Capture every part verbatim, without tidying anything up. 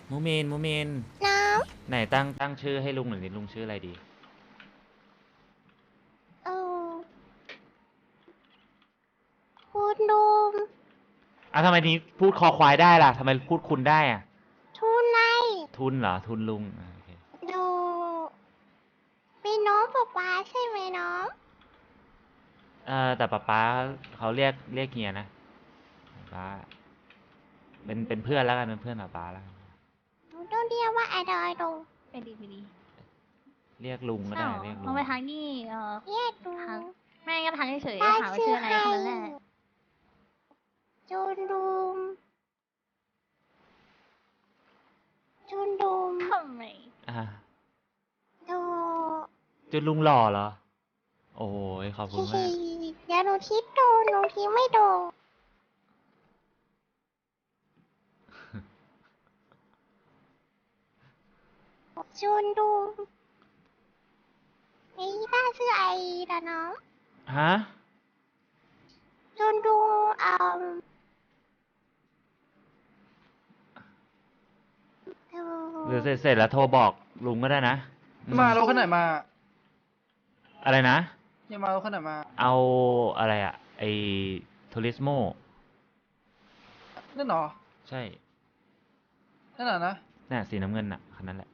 มูเมนมูเมนน้ไหนตั้งตั้งชื่อให้ลุงหน่อยดิลุงชื่ออะไรดีำเออคุณลุงอ่ะทำไมนี้พูดคอควายได้ล่ะทำไมพูดคุณได้อ่ะทุนไนทุนเหรอทุนลุงอ่ะโอเคดูเป็นน้องป๊าป๊าใช่ไหมน้องเออแต่ป๊าป๊าเขาเรียกเรียกเฮียนะป๊าเป็นเป็นเพื่อนแล้วกันเป็นเพื่อนป๊าป๊าแล้วกันหนูต้องเรียกว่าอะไรลุงไปดีไปดีเรียกลุงก็ใช่หรอได้เรียกลุลองงไปทางนี่เออเรียกลุทางงแม่ก็ทางเฉยป้าๆถามว่าชื่อชื่ออะไรใครแค่นั้นแหละจุนลุงจุนลุงทำไมอ่าดูจนลุงหล่อเหรอโอ้ยขอบคุฮิฮิณมากเดี๋ยวหนูทิปดูหนูทิปไม่ดูจุนลุงนี่ป้าชื่อไอดะน้องฮะจนดูเอ่อหรือเสร็จเสร็จแล้วโทรบอกลุงก็ได้นะอืมารถคันไหนมาอะไรนะเฮียมารถคันไหนมาเอาอะไรอะไอทูริสโมนั่นเหรอใช่นั่นเหรอนะน่ะสีน้ำเงินน่ะคันนั้นแหละ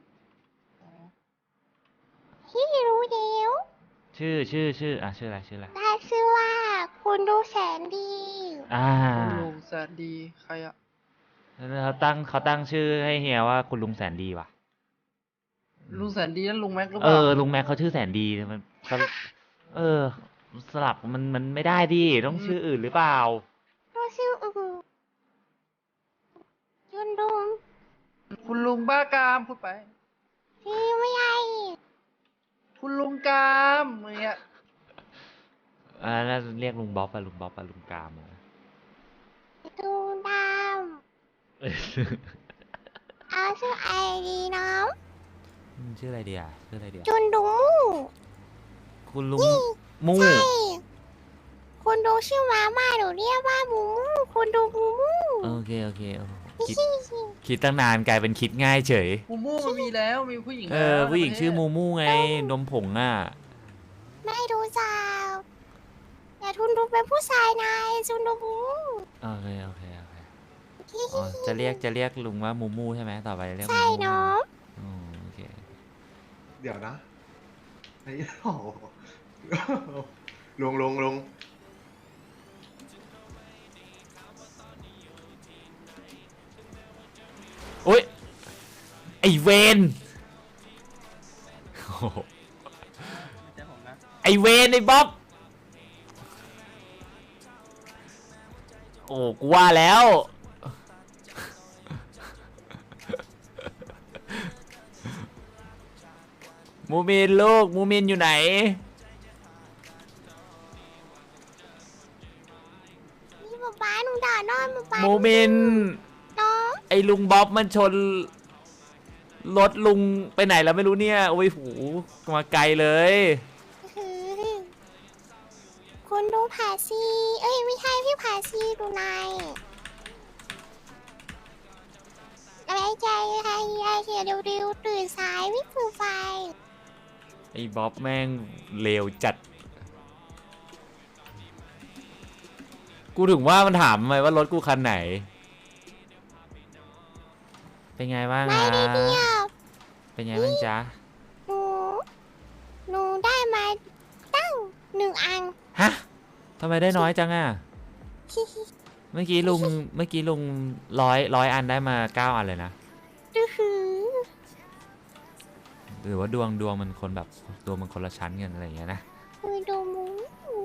ที่รู้เดียวชื่อชื่อชื่ออ่ะชื่ออะไรชื่ออะไรได้ชื่อว่าคุณดูแสนดีอ่าคุณลุงแสนดี ใครอะแล้วเขาตั้งเขาตั้งชื่อให้เฮียว่าคุณลุงแสนดีว่ะลุงแสนดีนั่นลุงแม็กหรือเปเอล่าอลุงแม็กเขาชื่อแสนดีมันสลับเออสลับมันมันไม่ได้ดิต้องชื่ออื่นหรือเปล่าดูชื่ออื่นจนดูคุณลุงบ้ากามพูดไปที่ไม่ใช่คุณลุงกามอย่างเงี้ยอ่าน่าจะเรียกลุงบ๊อบไปลุงบ๊อบไปลุงกามอะดูดำเอาชื่อไอดีน้องอืมชื่ออะไรดีอ่ะชื่ออะไรดีจอ่ะนดูคุณลุงมู่ใช่คุณดูชื่อมาม่าหนูเรียกว่ามูมูคุณดูมูมูโอเคโอเคโอ้โหคิดฮิฮิคิดตั้งนานกลายเป็นคิดง่ายเฉยมูมูมันมีแล้ว มีผู้หญิงเอแล้อวผู้หญิงในประเทศชื่อมูมูไงนมผงอ่ะไม่รู้จักแต่ทุนดูเป็นผู้ชายนายจุนดูมูโอเคโอเคโอเคฮิอ๋อฮิจะเรียกจะเรียกลุงว่ามูมูใช่ไหมต่อไปเรียกมูใช่มูน้องอ๋อโอเคเดี๋ยวนะไอ้โอ้โหลงลงลงโอ๊ยไอเวนโอ้โหไม่ใช่ผมนะไอเวนไอบ๊อบโอ้กูว่าแล้วมูมินลูกมูมินอยู่ไหนนี่ป๊าป๊าหนูด่านอนป๊าป๊ามูมินน้องไอลุงบ๊อบมันชนรถลุงไปไหนแล้วไม่รู้เนี่ยโอ้ยหูมาไกลเลยคือคุณดูผาซีเอ้ยไม่ใช่พี่ผาซีดูนายอะไรใจอะไรอะไรเดี๋ยวเร็วๆตื่นสายวิ่งฝืนไฟไอ้บ๊อบแม่งเลวจัด กูถึงว่ามันถามทำไมว่ารถกูคันไหน เป็นไงบ้างไม่ฮะได้เดียวเป็นไงบ้างจ๊ะหนูหนูได้มาตั้งหนึ่งอันฮะทำไมได้น้อยจังอ่ะฮิฮิเมื่อกี้ลุง เมื่อกี้ลุงร้อยร้อยอันได้มาเก้าอันเลยนะดูหือหรือว่าดวงดวงมันคนแบบดวงมันคนละชั้นกันอะไรอย่างเงี้ยนะคือดูหมู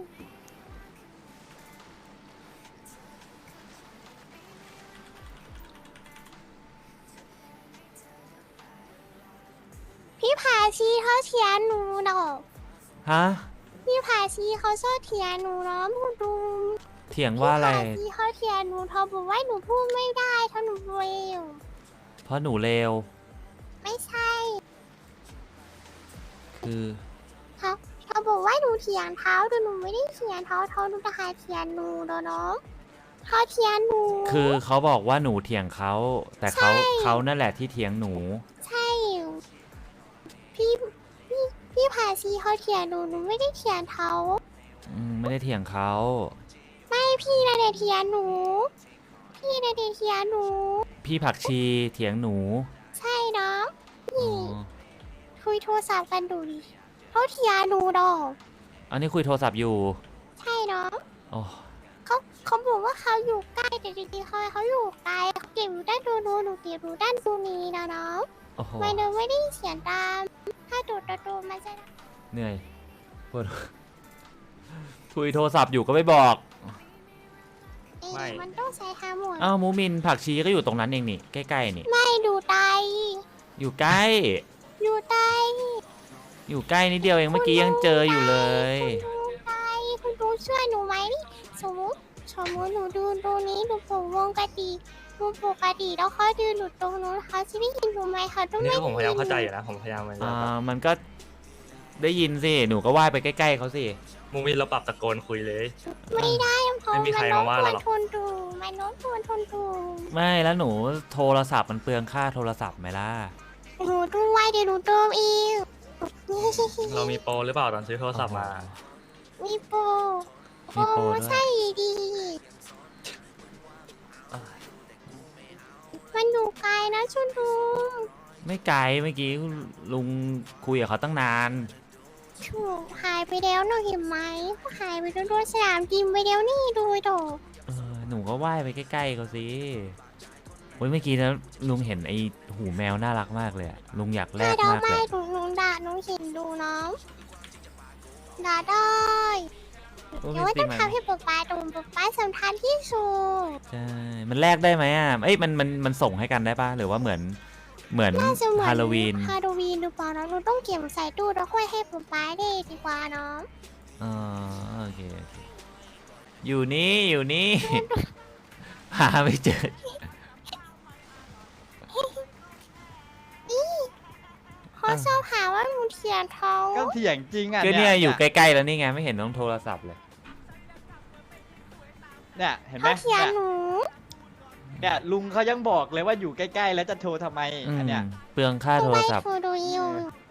พี่ผาชีเขาเถียงหนูดอกฮะพี่ผาชีเขาชอบเถียงหนูเนาะพูดดูเถียงว่าอะไรพี่ผาชีเขาเถียงหนูเขาบอกว่าหนูพูดไม่ได้ถ้าหนูเร็วเพราะหนูเลวไม่ใช่คือเขาเขาบอกว่าหนูเถียงเท้าแต่หนูไม่ได้เถียงเท้าเท้าหนูจะหาเถียงหนูเนาะเขาเถียงหนูคือเขาบอกว่าหนูเถียงเขา แต่เขาใช่เขานั่นแหละที่เถียงหนูใช่พี่พี่พี่พาซีเขาเถียงหนูหนูไม่ได้เถียงเขาอืมไม่ได้เถียงเขาไม่พี่นะเดเถียงหนู พี่นะเดเถียงหนูพี่ผักชีเถียงหนูใช่เนาะอ๋นี่อคุยโทรศัพท์กันดูดิเขาเถียงหนูดอกอันนี้คุยโทรศัพท์อยู่ใช่เนาะโอ้เขาเขาบอกว่าเขาอยู่ใกล้แต่จริงๆเขาเขาอยู่ไกลเขาเก็บอยู่ด้านดูนู้นหนูเก็บอยู่ด้านดูนี้นะเนาะโอ้โหไม่เดินไม่ได้เสียงตาม ถ้าดูดดูมันจะเหนื่อยปวด คุยโทรศัพท์อยู่ก็ไม่บอกเอ๊ะไม่มันต้องใช้ฮาร์โมนอ้าวมูมินผักชีก็อยู่ตรงนั้นเองนี่ ใกล้ๆนี่ไม่ดูไตอยู่ใกล้อยู่ไตอยู่ใกล้นิดเดียวเองเมื่อกี้ยังเจออยู่เลยคุณดูไตคุณดูช่วยหนูไหมนี่สมมติสมมติหนูดูตรงนี้หนูผมวงกติดูปกติแล้วเขาดูหนูตรงนู้นเขาจะได้ยินหนูไหมเขาต้องนี่ไม่ก็ผมพยายามเข้าใจยิอน ยู่นะ ผมพยายามมันอ่า มันก็ได้ยินสิ หนูก็ว่ายไปใกล้ๆเขาสิมูมินเราปรับตะโกนคุยเลยไม่ได้เพราะไม่มีใครมาว่าเราหรอกทนดูมันโน้มทวนทนดูไม่แล้วหนูโทรศัพท์มันเปลืองค่าโทรศัพท์ไหมล่ะหนูด้วยเดี๋ยวหนูเติมอีกเรามีโปรหรือเปล่าตอนซื้อโทรศัพท์มามีโปรมีโปรด้วยใช่ดี มันอยู่ไกลนะชุนดูไม่ไกลเมื่อกี้ลุงคุยกับเขาตั้งนานถูกหายไปแล้วหนูเห็นไหมหายไปแล้วด้วยสนามบินไปแล้วนี่ดูโดเออหนูก็ว่ายไปใกล้ๆเขาสิโอ้ยเมื่อกี้นะลุงเห็นไอ้หูแมวน่ารักมากเลยอะลุงอยากแลถ้าก เรามากไม่เลยหนูหนูด่าหนูเห็นดูน้องด่าได้โอ้เดี๋ยวไม่ว่าสิต้องมันทำให้ป๊าป๊าดูป๊าป๊าสำคัญที่สุดใช่ มันแลกได้ไหมอ่ะ เอ้ยมันมันมันส่งให้กันได้ปะหรือว่าเหมือนเหมือนน่าจะเหมือนฮาโลวีนฮาโลวีนหรือเปล่าน้องหนูต้องเก็บใส่ตู้แล้วค่อยให้ป๊าป๊าได้ดีกว่าน้องอ๋อโอเคโอเคอยู่นี่อยู่นี่ หาไม่เจอเขาชอบหาว่าหนูเถียงเขาก็เถียงจริงอ่ะก็เนี่ยอยู่ใกล้ๆแล้วนี่ไงไม่เห็นต้องโทรศัพท์เลยเนี่ยเห็นไหมเขาเถียงเนี่ยหนูเนี่ยลุงเขายังบอกเลยว่าอยู่ใกล้ๆแล้วจะโทรทำไมอือันมเนี้ยเปลืองค่าโทรศัพท์ไม่ดูอยู่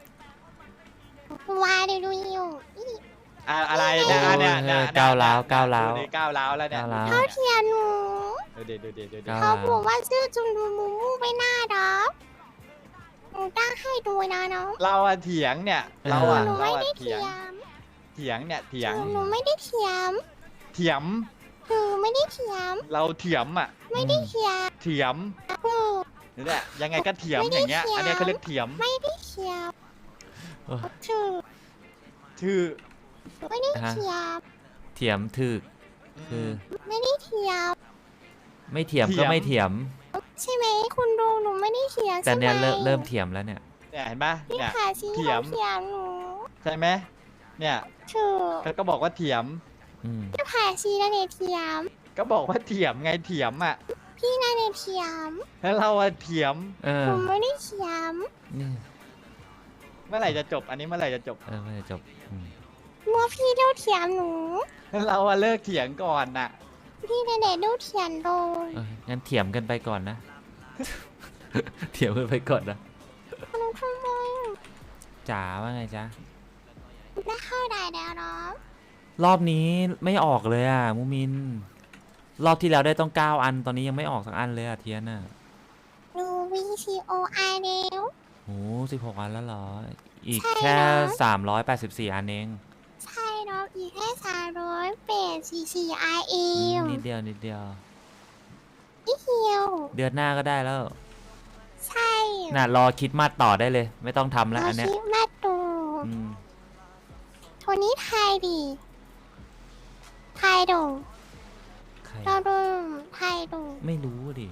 วายดูอยู่อะอะไรเนี่ยอันเนี่ยโอ้ยเนี่ยก้าวร้าวก้าวร้าวดูดิก้าวร้าวแล้วเนี่ยก้าวร้าวเขาเถียงหนูดูดิดูดิดูดิก้าวเขาบอกว่าชื่อจุนดูมูมูไม่น่ารักหนูตั้งให้ดูนะน้องเราอะเถียงเนี่ยเราอะหนูเราไม่อะได้เถีเถียงยงเถียงเนี่ยเถียงหนูไม่ได้เถียงเถียมหนูไม่ได้เถียงเราเถียมอะไม่ได้เถียงเถียมหนูนี่แหละยังไงก็เถียมไม่อได้ย่างเงี้ยเถียงอันเนี้ยเขาเรียกเถียมไม่ได้เถียงโอ้ยถูกชื่อไม่ได้เถียงเถียมถึกคือไม่ได้เถียงไม่เถียมก็ไม่เถียมใช่ไหมคุณดูหนูไม่ได้เถียงแต่ใช่ไหมเนี่ยเริ่มเริ่มเถียมแล้วเนี่ยเนี่ยเห็นปะพี่เนี่ยขาซีเถียเขามเถียงหนูใช่ไหมเนี่ยถูกเขาก็บอกว่าเถียมอืมพี่ขาซีนั่นเองเถียงก็บอกว่าเถียมไงเถียมอะพี่นั่นเองเถียงแล้วเราอะเถียมเออหนูไม่ได้เถียงนี่เมื่อไหร่จะจบ อันนี้เมื่อไหร่จะจบเออไม่ได้จบอืมเมื่อพี่เด้าเถียงหนูแล้วเราอะเลิกเถียงก่อนน่ะพี่นั่นเองเด้าเถียงโดยเอองั้นเถียมกันไปก่อนนะ เถียมกันไปก่อนนะหนูทำไมจ๋าว่าไงจ๊ะได้เข้าได้แล้วเนาะรอบนี้ไม่ออกเลยอ่ะมูมิน รอบที่แล้วได้ต้องเก้าอันตอนนี้ยังไม่ออกสักอันเลยอ่ะเทียนอ่ะดู วี ซี โอ ไอ แล้วโอ้สิบหกอันแล้วเหรอ อีกใช่แค่นะสามร้อยแปดสิบสี่อันเองใช่เนาะอีกแค่สามร้อยแปดสี่สี่ไอเออืมมนิดเดียวนิดเดียวอีเหียวเดือนหน้าก็ได้แล้วใช่น่ะรอคิดมาสต่อได้เลย ไม่ต้องทำแล้วอันเนี้ยคิดมาดูอืมโทนี้ไทยดิไทยดูใครเราดูไทยดูไม่รู้ดิ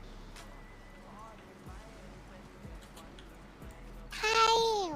ไทย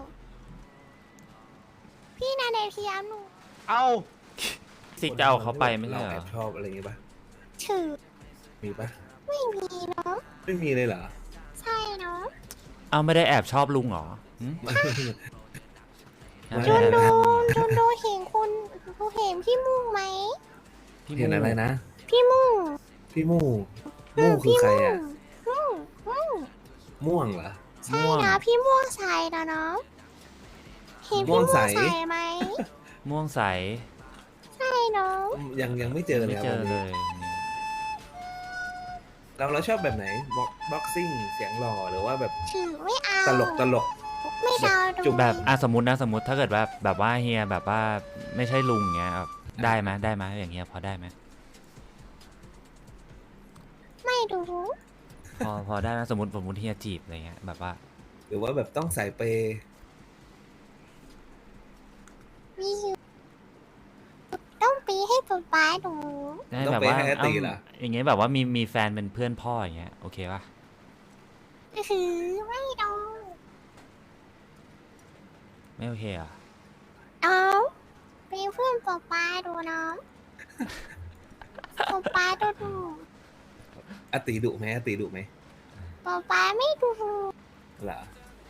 พี่นาเดเทียมหนูเอาซิกจะเอาเขาไปไม่ใช่เหรเราแออบชอบอะไรอย่างงี้ปะถือมีปะไม่มีเนาะไม่มีเลยเหรอใช่เนาะเอาไม่ได้แอบชอบลุงเหรอหึไม่ไม่จุได้นแอบดูชอบจุนดูเห็นคุณดูเห็นพี่มุ่งไหมพี่เห็นอะไรนะพี่มุ่งพี่มู่มู่คือใครอ่ะม่วงม่วงม่วงเหรอใช่นะพี่ม่วงใสนะเนาะเห็นม่พี่วม่วงงใสใสไหมม่วงใสใช่เนาะยังยังไม่เจอเลไม่ยครับเจอวันเลนี้ยเราเราชอบแบบไหนบ็อกบ็อกซิ่งเสียงหล่อหรือว่าแบบถือไม่เอาตลกตลกไม่เดาดูแบบอ่ะสมมตินะสมมติถ้าเกิดว่าแบบว่าเฮียแบบว่าไม่ใช่ลุงเงี้ยแบบได้ไหมได้ไหมอย่างเงี้ยพอได้ไหมไม่ดูพอพอได้ไหมสมมติสมมติเฮียจีบอะไรเงี้ยแบบว่าหรือว่าแบบต้องสายเปย์มีอยู่ต้องปีให้ป๊าป๊าดูได้ต้องแบบเปย์ว่าให้อาตีเหรอเอ้าอย่างเงี้ยแบบว่ามีมีแฟนเป็นเพื่อนพ่ออย่างเงี้ยโอเคป่ะคือไม่ดูไม่โอเคเหรอ่ะเอาเป็นเพื่อนป๊าป๊าดูเนาะป๊าป๊าดูดูอาตีดุไหมอาตีดุไหมป๊าป๊าไม่ดูเหรอ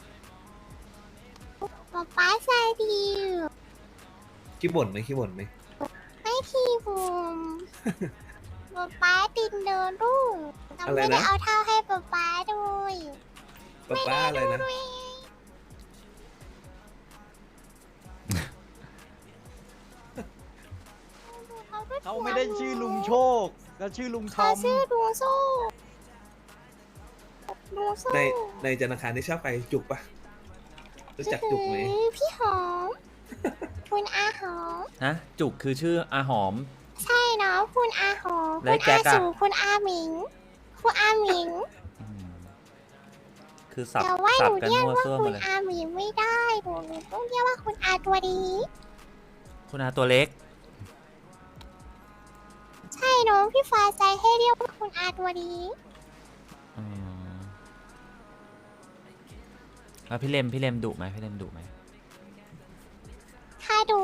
ป๊าป๊าใจดีอยู่ขี้บ่นไหมขี้บ่นไหมไม่ทีบุมป๊าป๊าตินเดินดูเราอะไรไม่ได้นะเอาเท้าให้ป๊าป๊าด้วยป้าป้าอะไรนะด้วยเขาไม่ได้ชื่อลุงโชคแล้วชื่อลุงทเขาอมชื่อดูโซ่ดูโซ่ในในธนาคารที่ชอบไปจุกปะรู้จักจุกไหมคือพี่หอม คุณอาหอมฮะจุกคือชื่ออาหอมใช่เนาะคุณอาหอมแล้คุวณแจ็อาคอะสูคุณอาหมิง คุณอาหมิงอืมคือสับแต่ว่าหสับนูกันเรียกมั่วว่าซั่วหคุมดณเลยอาหมิงไม่ได้หนูหนูต้องเรียกว่าคุณอาตัวดีคุณอาตัวเล็กใช่เนาะพี่ฟ้าใจให้เรียกว่าคุณอาตัวดีอืมแล้วพี่เลมพี่เลมดุไหมพี่เลมดุไหมถ้าดู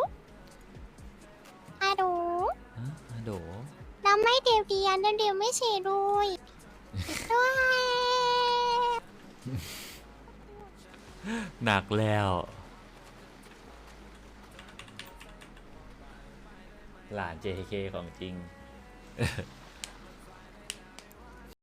ถ้าดูฮะอาโดเราไม่เดียวเดียนเดียวไม่เฉยด้วยด้วยหนักแล้ว หลาน เจ เค ของจริง